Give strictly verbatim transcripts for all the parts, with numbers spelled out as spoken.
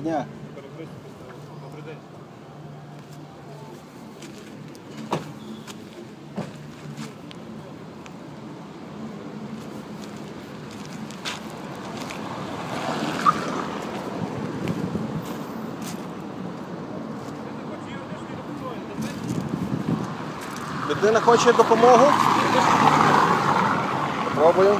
дня. Добрий день. Людина хоче допомогу? Пробуємо.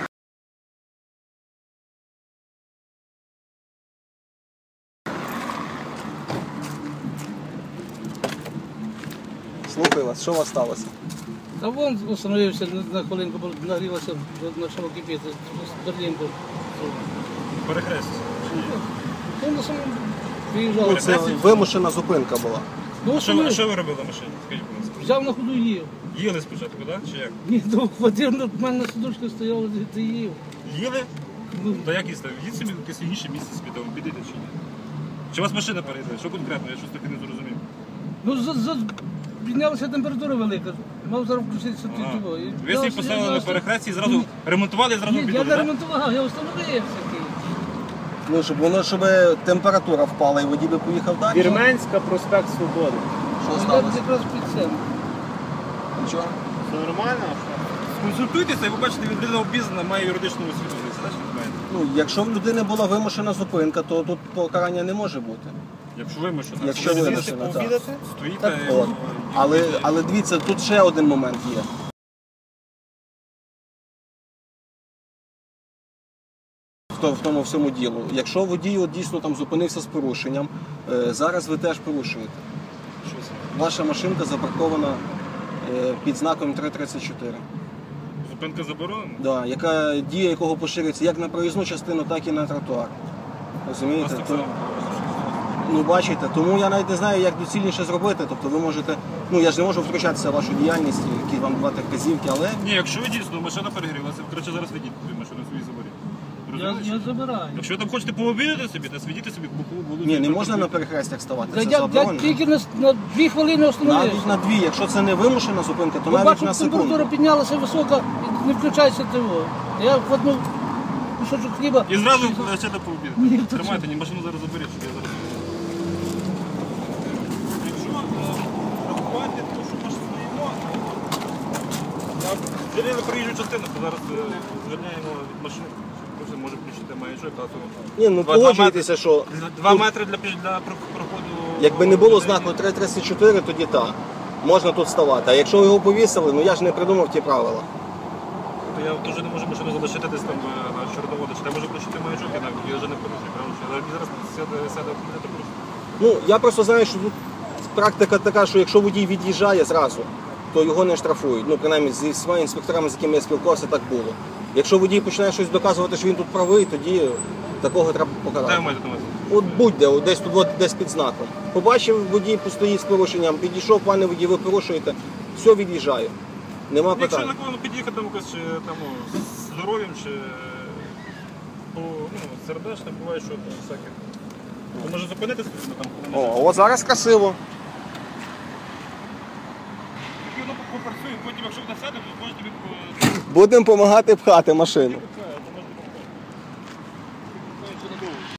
Слухаю вас, що у вас сталося? Та вон остановився на хвилинку, бо нагрілося, почало кипіти, Берлінку. Перехрест. Ну, на самому виїжджав. Це вимушена зупинка була. Ну, А що, ви- що ви робили на машині? Скажіть, будь ласка. взяв на ходу і їв. Їли спочатку, так? Чи як? Ні, ну, хватив, в мене на сидушці стояло, ти їв. Їли? Ну, Та як їсти? Їдь собі в якесь інше місце собі, там підійде чи ні? Чи у вас машина перейде? Що конкретно? Я щось таки не зрозумів. ну за, за, піднялася температура велика. Мав зараз включитися Ага. ті того. І Ви я- собі я поставили на просто- перехресті і зразу Ні. ремонтували і зразу Ні, я підали, не так? ремонтував, я встановився. Ну, щоб воно, щоб температура впала і водій би поїхав далі. Вірменська, проспект Свободи. Що Я сталося? якраз під цим. Нічого. Все нормально? Консультуйтеся і ви бачите, людина обізнана, має юридичну освіту. Ви знаєте, що ви маєте? Ну, якщо в людини була вимушена зупинка, то тут покарання не може бути. Якщо вимушено. Якщо Коли вимушено, сидите так. пообідати, стоїте... Так, і- от. і- Але, але дивіться, тут ще один момент є. В то- В тому всьому ділу. Якщо водій от дійсно там зупинився з порушенням, е, зараз ви теж порушуєте. Що це? Ваша машинка запаркована е, під знаком три тридцять чотири. Зупинка заборонена? Да, яка дія якого поширюється як на проїзну частину, так і на тротуар. У нас Розумієте? так То- само. Ну, бачите, тому я навіть не знаю, як доцільніше зробити. Тобто ви можете, ну я ж не можу втручатися в вашу діяльність, які вам давати вказівки, але Ні, якщо ви дійсно машина перегрілася, краще зараз ведіть свою машину свої заборі. Я, я забираю. Якщо ви там хочете пообідати собі, то свідіть собі бокову вулицю. ні, не можна на перехрестях ставати. Я, Це я, я заборонено. тільки на, на дві хвилини Навіть остановився. на дві, якщо це не вимушена зупинка, то Бо навіть бачу, на температура секунду. піднялася висока, і не включайся ТВО. Я вкладнув кусочок хліба. І зразу почати пообідати. Ні, то Тримайте, ні, машину зараз заберіть, щоб я зараз. Якщо е, рахувати, то що ми ж стоїмо, я звільнили проїжджу частину, то зараз е, звільняємо від машини. Кожен може включити маячок, а то Ні, ну Два- погоджуйтеся, що Два- два метри для, піш- для про- проходу. якби не було людей. знаку три тридцять чотири, тоді так. Можна тут ставати. А якщо ви його повісили, ну я ж не придумав ті правила. То я теж не можу машину залишити десь там е, на чорноводу. Чи я можу включити маячок, я навіть я вже не порушую. Правильно? Що я зараз сяде, сяде автомобіль, просто. Ну, я просто знаю, що тут практика така, що якщо водій від'їжджає зразу, то його не штрафують. Ну, принаймні, зі своїми інспекторами, з якими я спілкувався, так було. Якщо водій починає щось доказувати, що він тут правий, тоді такого треба Де ви покарати. маєте на увазі? От будь-де, от десь тут, от, десь під знаком. Побачив, водій постоїть з порушенням, підійшов, пане водій, ви порушуєте, все, від'їжджаю. Нема Якщо питань. на кого під'їхати там якось чи там ну, з здоров'ям чи по ну, сердечним, буває, що там всяке. То може зупинитися там, коли О, от зараз красиво. воно попрацює, потім якщо ви сяде, то можете від Будемо допомагати пхати машину.